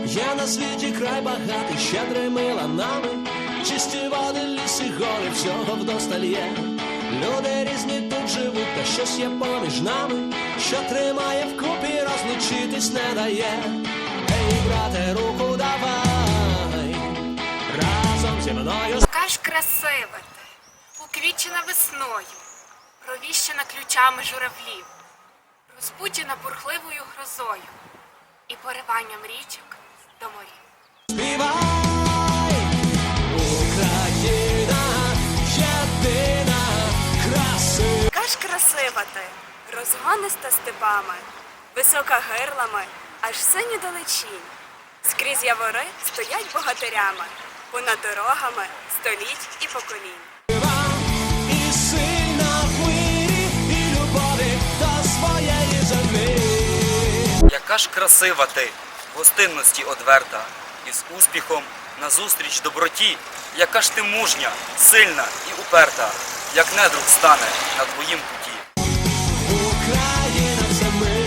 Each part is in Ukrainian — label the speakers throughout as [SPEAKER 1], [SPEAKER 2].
[SPEAKER 1] Є на світі край багатий щедрими ланами, чисті води, ліси, гори, всього вдосталь є. Люди різні тут живуть, та щось є поміж нами, що тримає вкупі, розлучитись не дає. Ей, брате, руку давай, разом зі мною.
[SPEAKER 2] Яка ж красива ти, уквітчена весною, провіщена ключами журавлів, розбуджена бурхливою грозою і пориванням річок до морів.
[SPEAKER 1] Співай, Україна, єдина, красива.
[SPEAKER 2] Яка ж красива ти, розгониста степами, висока гирлами, аж сині далечінь. Скрізь явори стоять богатирями, понад дорогами століть і поколінь.
[SPEAKER 1] І сильна в мирі, і любові до своєї землі.
[SPEAKER 3] Яка ж красива ти, в гостинності одверта, із успіхом назустріч доброті. Яка ж ти мужня, сильна і уперта, як недруг стане на твоїм путі.
[SPEAKER 1] Україна це ми.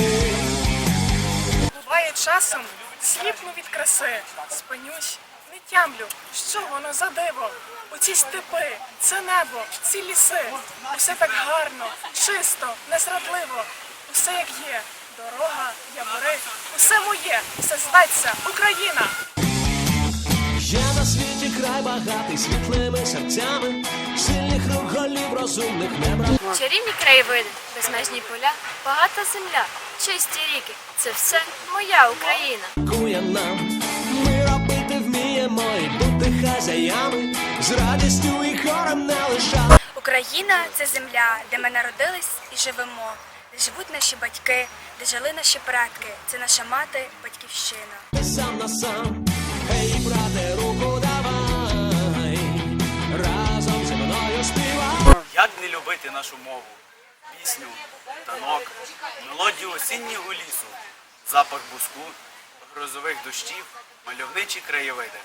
[SPEAKER 4] Буває часом, сліпну від краси, спинюсь, не тямлю, що воно за диво. Оці степи, це небо, ці ліси, усе так гарно, чисто, незрадливо, усе як є, дорога, явори, усе моє, все зветься Україна.
[SPEAKER 1] Є на світі край багатий світлими серцями, сильних рук, голів, розумних не брати.
[SPEAKER 5] Чарівні краєвиди, безмежні поля, багата земля, чисті ріки – це все моя Україна.
[SPEAKER 1] Кує нам, ми робити вміємо і бути хазяями, з радістю і хором не лиша.
[SPEAKER 6] Україна – це земля, де ми народились і живемо, де живуть наші батьки, де жили наші предки. Це наша мати, батьківщина.
[SPEAKER 1] Ти сам на сам, ей, брате, руку давай, разом зі мною співай.
[SPEAKER 3] Як не любити нашу мову, пісню, танок, мелодію осіннього лісу, запах буску, грозових дощів, мальовничі краєвиди.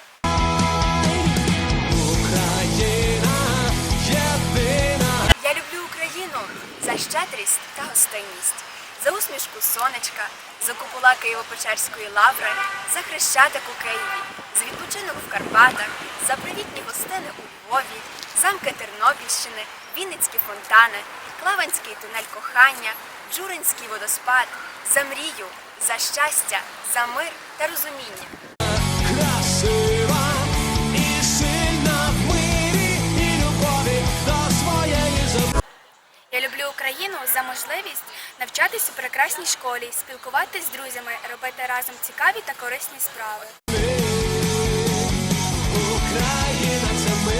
[SPEAKER 1] Україна, єдина.
[SPEAKER 6] Я люблю Україну за щедрість та гостинність, за усмішку сонечка, за купола Києво-Печерської лаври, за Хрещатик у Києві, за відпочинок в Карпатах, за привітні гостини у Львові, замки Тернопільщини, Вінницькі фонтани, Клаванський тунель кохання, Джуринський водоспад, за мрію, за щастя, за мир та розуміння.
[SPEAKER 1] Красива і сильна в мирі, і любові до своєї землі.
[SPEAKER 6] Я люблю Україну за можливість навчатись у прекрасній школі, спілкуватись з друзями, робити разом цікаві та корисні справи.
[SPEAKER 1] Україна це ми.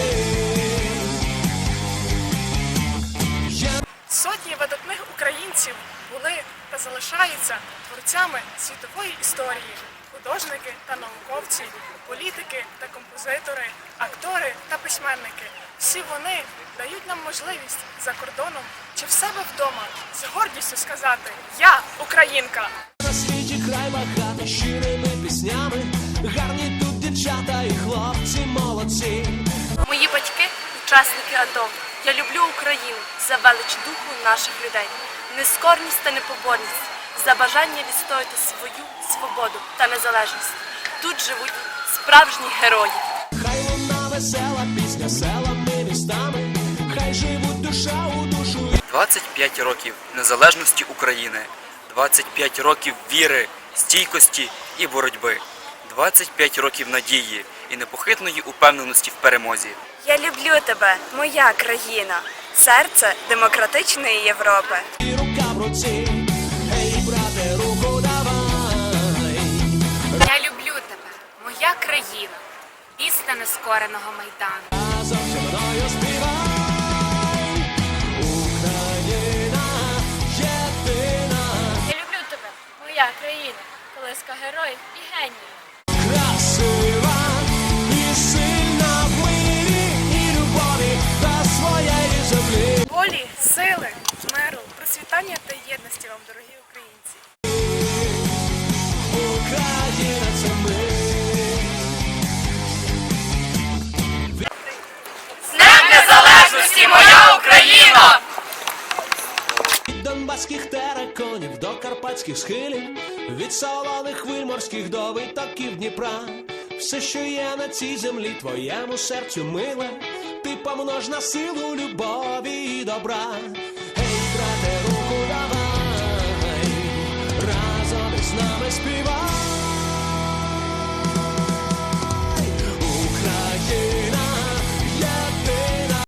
[SPEAKER 4] Сотні видатних українців були та залишаються творцями світової історії, художники та науковці, політики та композитори, актори та письменники. Всі вони дають нам можливість за кордоном чи в себе вдома з гордістю сказати «Я українка».
[SPEAKER 1] На світі край багатий щирими піснями, гарні тут дівчата і хлопці молодці.
[SPEAKER 5] Мої батьки – учасники АТО. Я люблю Україну за велич духу наших людей, нескорність та непоборність, за бажання відстояти свою свободу та незалежність. Тут живуть справжні герої.
[SPEAKER 1] Хай луна весела пісня селами, містами, хай живуть душа у душу.
[SPEAKER 3] 25 років незалежності України, 25 років віри, стійкості і боротьби, 25 років надії і непохитної упевненості в перемозі.
[SPEAKER 6] Я люблю тебе, моя країна, серце демократичної Європи.
[SPEAKER 1] І рука в руці, ей, брате, руку давай.
[SPEAKER 2] Я люблю тебе, моя країна, пісня нескореного Майдану.
[SPEAKER 1] Разом зі мною співай. Україна, єдина.
[SPEAKER 5] Я люблю тебе, моя країна, колиска героїв і геніїв.
[SPEAKER 1] Красива і сильна в мирі, і любові до своєї землі.
[SPEAKER 4] Волі, сили, миру, процвітання та єдності вам, дорогі українці.
[SPEAKER 1] Україна це ми.
[SPEAKER 5] З Днем Незалежності, моя Україна!
[SPEAKER 1] Від донбаських териконів до Карпат. карпатських схилів, від солоних хвиль морських до витоків Дніпра. Все, що є на цій землі, твоєму серцю миле, ти помнож на силу любові і добра. Ей, брате, руку давай, разом із нами співай.